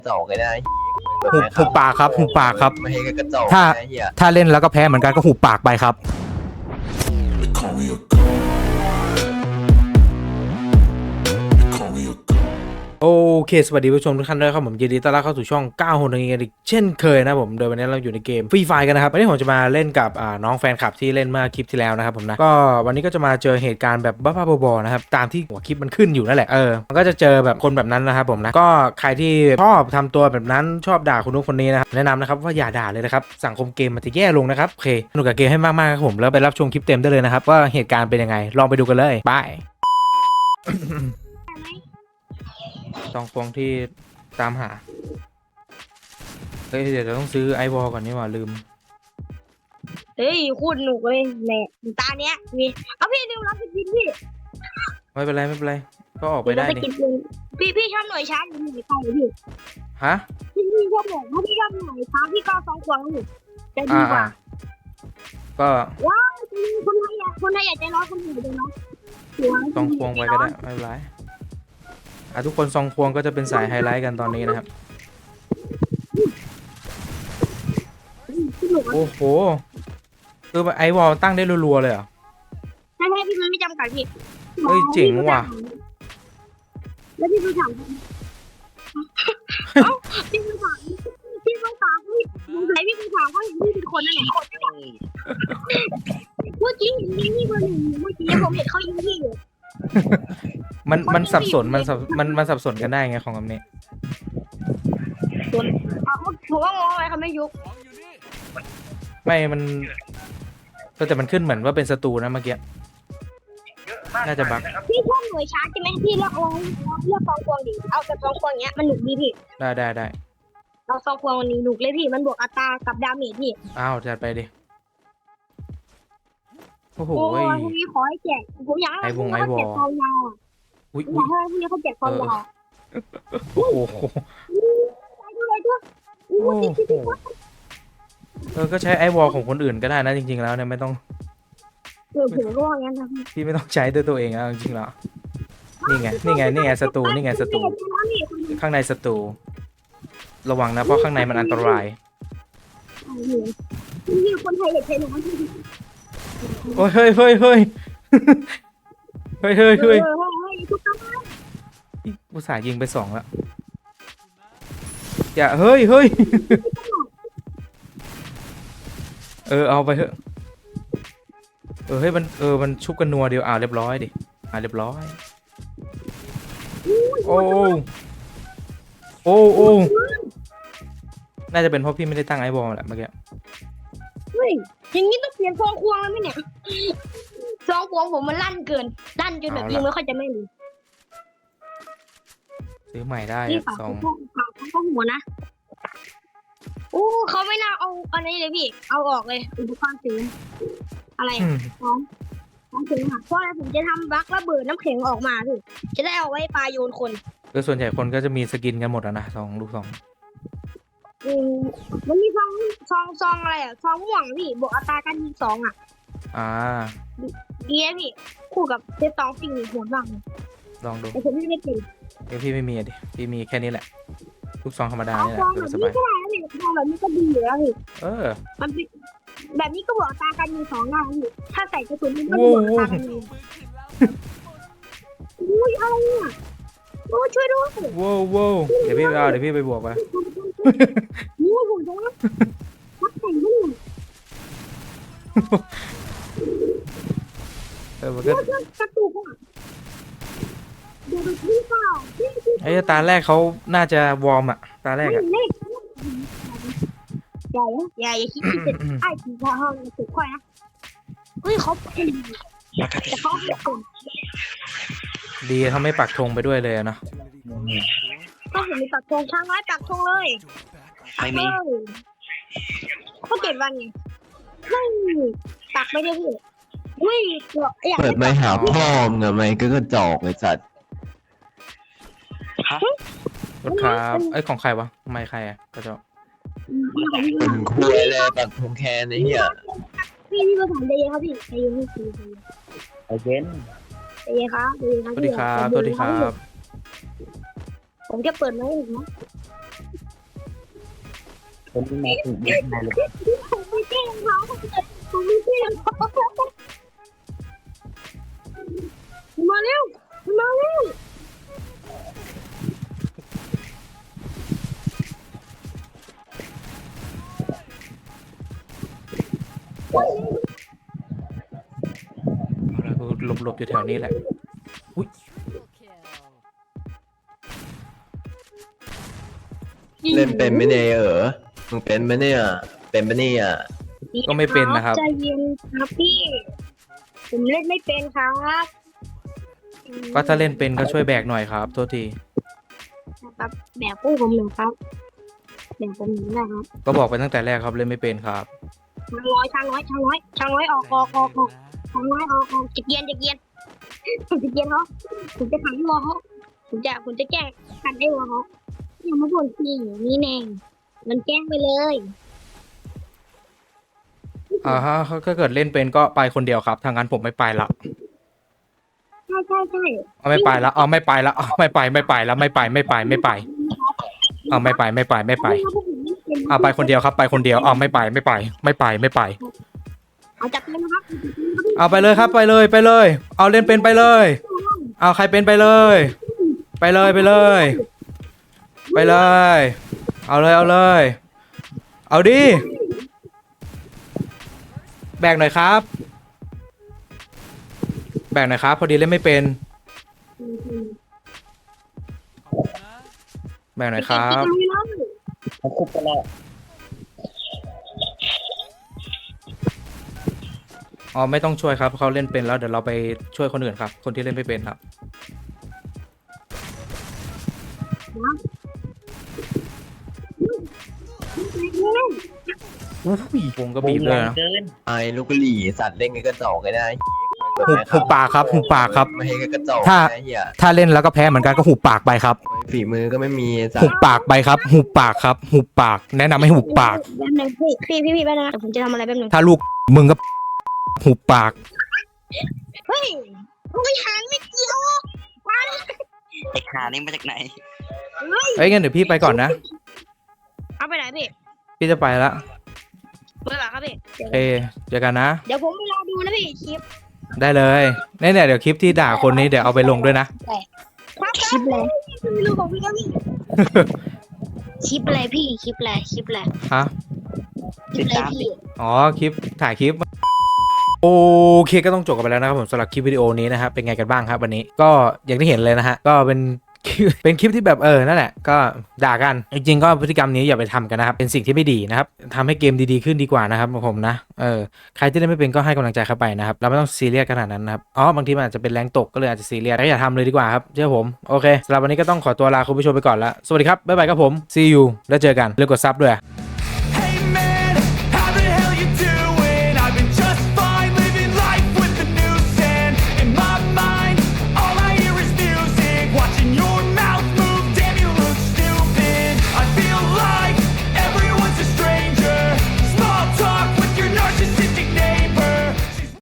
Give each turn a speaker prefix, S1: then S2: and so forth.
S1: จอกเลยนะ
S2: หุบปากครับหุบปากครับ
S1: ไม่ให้กระจอก
S2: ถ้า
S1: ไอ้เหี้ย
S2: ถ้าเล่นแล้วก็แพ้เหมือนกันก็หุบปากไปครับ
S3: Call me a god. Call me a god.
S2: โอเคสวัสดีผู้ชมทุกท่านด้วยครับผมยินดีต้อนรับเข้าสู่ช่อง9คนนึงกันอีกเช่นเคยนะผมโดยวันนี้เราอยู่ในเกมฟรีไฟกันนะครับวันนี้ผมจะมาเล่นกับน้องแฟนคลับที่เล่นเมื่อคลิปที่แล้วนะครับผมนะก็วันนี้ก็จะมาเจอเหตุการณ์แบบบ้าๆบอๆนะครับตามที่หัวคลิปมันขึ้นอยู่นั่นแหละมันก็จะเจอแบบคนแบบนั้นนะครับผมนะก็ใครที่ชอบทำตัวแบบนั้นชอบด่าคนนู้นคนนี้นะครับแนะนำนะครับว่าอย่าด่าเลยนะครับสังคมเกมมันจะแย่ลงนะครับโอเคสนุกกับเกมให้มากๆครับผมแล้วไปรับชมคลิปเต็มได้เลยนะครับว่าเหตุการณ์เป็นยังไงลองไปดูกันเลยบาย สองฟองที่ตามหาเฮ้ยเดี๋ยวเราต้องซื้อไอวอลก่อนนี่หว่าลืม
S4: เฮ้ยโคตรหนุกเลยแหละตาเนี้ยมีเอาพี่เร็วรับไปกินพี่
S2: ไม่เป็นไรไม่เป็นไรก็ออกไป
S4: เดี๋ยว
S2: ได้
S4: เราไป
S2: นี่
S4: กินเองพี่ชอบหน่วยช้างหรือหน่วยไฟพี่
S2: ฮะ
S4: พี่ชอบหน่วยถ้าพี่ชอบหน่วยช้างพี่ก็2 ขวงอยู่จะดีกว่า
S2: ก็
S4: ว้าวคนไทยอยากใจร้อนคนอื่นใจร้อน
S2: ซองควงไปก็ได้ไม่เป็นไรทุกคนซองควงก็จะเป็นสายไฮไลท์กันตอนนี้นะครับโอ้โหคือไอวอลตั้งได้รัวๆเลยเหรอ
S4: ใช่พี่มันไม่จำกัดพี่
S2: เฮ้ยเจ๋งว่ะ
S4: แล้วพี่ไปถามเอ้าพี่ไปถามพี่สงสัยพี่ไปถามเขาเห็นพี่เป็นคนนั่นแหละเมื่อกี้เห็นพี่คนหนึ่งเมื่อกี้ผมเห็นเขายิงพี่อยู่
S2: มันสับสนมันสับสนกันได้ไงของคำนี้
S4: ผมว่างงไหมเขาไม่ยุบ
S2: ไม่มันแต่มันขึ้นเหมือนว่าเป็นศัตรูนะเมื่อกี้น่าจะบั๊ก
S4: พี่ชอบหน่วยช้าใช่ไหมพี่เลือกเอาเลือก2 ควงดิเอาแต่2 ควงเนี้ยมันหนุกดีพี่
S2: ได้
S4: เอา2 ควงวันนี้หนุกเลยพี่มันบวกอัตรากับดาเมจพี่
S2: อ้าวจัดไปดิโอ้โห
S4: โอ้ยพรุ่งนี้ขอให้แจกผมอยากให้พรุ่งนี้เขาแจกความยาวอ่ะ
S2: อุ้ย
S4: อยากให้พรุ่งนี้เขาแจกความยาว
S2: โอ้โห
S4: ไปดูเลยด้วย
S2: โอ้โหก็ใช้ไอวอลของคนอื่นก็ได้นะจริงๆแล้วเนี่ยไม่ต้อง
S4: ผมก็ว่างั้นนะพี่
S2: พี่ไม่ต้องใช้ด้วยตัวเองแล้วจริงๆแล้วนี่ไงศัตรูข้างในศัตรูระวังนะเพราะข้างในมันอันตราย
S4: พี่คนไทยอยากใช้หนูมันพี่
S2: โอ้ยเฮ้ยทุกท่านอุตส่าห์ยิงไป2แล้วอย่าเฮ้ยเอาไปเถอะเฮ้ยมันชุบกันนัวเดียวเรียบร้อยดิเรียบร้อยโอ้น่าจะเป็นเพราะพี่ไม่ได้ตั้งไอวอลแหละเมื่อกี้
S4: เฮ้ยอย่างนี้ต้องเปลี่ยน2 ควงแล้วไหมเนี่ย2 ควงผมมันลั่นเกินลั่นจนแบบยิงไม่ค่อยจะแม่น
S2: ซื้อใหม่ได้
S4: พี่ฝากเขาหัวนะโอ้เขาไม่น่าเอาอันนี้เลยพี่เอาออกเลยอุปกรณ์เสริมอะไรของเสริมค่ะเพราะอะไรผมจะทำบัคระเบิดน้ำแข็งออกมาพี่จะได้เอาไว้ปลาโยนคน
S2: คือส่วนใหญ่คนก็จะมีสกินกันหมดนะลูก 2
S4: มันมีซองอะไรอ่ะซองม่วงพี่บวกอัตราการยิง2อ่ะดีนะพี่คู่กับเซต2สิ่งโหดมากเลย
S2: ลองดู
S4: แต่ผมไม่ได้เป็น
S2: พี่ไม่มีดิพี่มีแค่นี้แหละลูก 2ธรรมดา
S4: เอา
S2: นี่แห
S4: ซ
S2: ละ
S4: องแบบ
S2: ส
S4: นี้
S2: บาย
S4: ก็ได้นะพี่ซองแบบนี้ก็ดีอยู่แล้วพี่ มันเป็นแบบนี้ก็บวกอัตราการยิง2ได้พี่ถ้าใส่กระสุนมันก็บวกอัตราการยิงอุ้ยอะไรเนี่ยโอ้ช่วยด้วย
S2: ว้าวเดี๋ยวพี่ไปบวกไป
S4: นี่ผมจะรับแต่งด้วย
S2: มันก็
S4: กระตุกอ่ะเดี๋ยวดูพี่เปล่า
S2: ไอ้ตาแรกเขาน่าจะวอร์มตาแรก
S4: เลขอย่าคิดเป็นไอ้ผีพาห้องสุดค่อยนะเฮ้ยเขาเป็นแต่เขาเป็นคน
S2: ดีเขาไม่ปักธงไปด้วยเลยนะ
S4: ก็เห็นมีปักธงช่างไว้ปักธงเลยไม่มีเขา7 วันไงไม่ปักไม่ได้พี่อุ้ยอยาก
S1: เปิดไม่หาพ่อมึงอะไม่ก็กระจอกไอ้สัตว์
S2: รถครับไอ้ของใครวะไม่ใครก็จะ
S1: เป็นคุยเลยปักธงแคนไอ้เหี้ย
S4: พี่ภาษาใจเย็นครับพี่ใจเย็นพี่ใจเย็นครับ
S2: สวัสดีครับ
S4: ผมจะเปิดไหมอีกนะ
S1: ผมไม่ถูกไม่ได้เลย
S4: ผมไม่แกล้งเขาผมไม่แกล้งเขามาเร็วมาเร็ว
S2: เอาละกูหลบอยู่แถวนี้แหละอุ้ย
S1: เล่นเป็นไหมเนี่ยมึงเป็นไหมเนี่ยเป็นไหมเนี่ย
S2: ก็ไม่เป็นนะครับ
S4: ใจเย็นครับพี่ผมเล่นไม่เป็นครับ
S2: ก็ถ้าเล่นเป็นก็ช่วยแบกหน่อยครับโทษที
S4: นะครับแบกกู้ผมหนึ่งครับแบกผมหนึ่งได้ครับ
S2: ก็บอกไปตั้งแต่แรกครับเล่นไม่เป็นครับ
S4: ช้างน้อยช้างน้อยออกช้างน้อยออกจะเกียนผมจะเกียนเขาผมจะขังรอเขาผมจะแก้ขันได้รอเขาอย่ามาบ่นพี่นี่แน่มันแกล้งไปเลย
S2: ฮะถ้าเกิดเล่นเป็นก็ไปคนเดียวครับทางนั้นผมไม่ไปละ
S4: ใช่
S2: เอาไม่ไปละเอาไม่ไปละเอาไม่ไปแล้วไม่ไปเอาไม่ไปเอาไปคนเดียวครับไปคนเดียวเอาไม่ไป
S4: เอาจับเลยนะครับ
S2: เอาไปเลยครับไปเลยเอาเล่นเป็นไปเลยเอาใครเป็นไปเลยเอาเลยเอาดิแบกหน่อยครับพอดีเล่นไม่เป็นแบกหน่อยครับ
S1: เขาคุบกันแล้ว
S2: อ๋อไม่ต้องช่วยครับเขาเล่นเป็นแล้วเดี๋ยวเราไปช่วยคนอื่นครับคนที่เล่นไม่เป็นครับอุ้ยวงก็บีบเลยนะ
S1: ไอ้ลูกกะหรี่สัตว์เล่นกันกระจอกกันได้
S2: หุบปากครับ
S1: ไม่ให้กระจอก
S2: ถ้า
S1: นะเฮีย
S2: ถ้าเล่นแล้วก็แพ้เหมือนกันก็หุบปากไปครับ
S1: ฝีมือก็ไม่มีสัต
S2: หุบ
S1: ว์
S2: ปากไปครับหุบปากแนะนำให้หุบปาก
S4: แป๊บนึงพี่แป๊บนึงนะผมจะทำอะไรแป๊บนึง
S2: ถ้าลูกมึงก็หุบปาก
S4: เฮ้ยไม่หางไม่เกี่ยวมัน
S5: ไอ้ขานี่มาจากไหน
S2: เอ้ยงั้นเดี๋ยวพี่ไปก่อนนะ
S4: เอาไปไหนพี่
S2: พี่จะไปละ
S4: เมื่อไหร่ครับพี่
S2: โอเคเจอกันนะ
S4: เดี๋ยวผมไปรอดูนะพี่คลิป
S2: ได้เลยเนี่ยเดี๋ยวคลิปที่ด่าคนนี้เดี๋ยวเอาไปลงด้วยนะ
S4: คลิปอะไรไม่รู้ของพี่ครับพี่คลิปอะไรพี่คลิปอะไร
S2: ฮะ
S4: คลิปอะไรพี่
S2: อ๋อคลิปถ่ายคลิปโอเคก็ต้องจบกันไปแล้วนะครับผมสำหรับคลิปวิดีโอนี้นะครับเป็นไงกันบ้างครับวันนี้ก็อย่างที่เห็นเลยนะฮะก็เป็น เป็นคลิปที่แบบนั่นแหละก็ด่ากันจริงๆก็พฤติกรรมนี้อย่าไปทำกันนะครับเป็นสิ่งที่ไม่ดีนะครับทำให้เกมดีๆขึ้นดีกว่านะครับผมนะใครที่เล่นไม่เป็นก็ให้กำลังใจเข้าไปนะครับเราไม่ต้องซีเรียสขนาดนั้นนะครับบางทีมันอาจจะเป็นแรงตกก็เลยอาจจะซีเรียสแต่อย่าทำเลยดีกว่าครับเชื่อผมโอเคสำหรับวันนี้ก็ต้องขอตัวลาคุณผู้ชมไปก่อนละสวัสดีครับบ๊ายบายครับผม see you แล้วเจอกันเลือกกดซับด้วย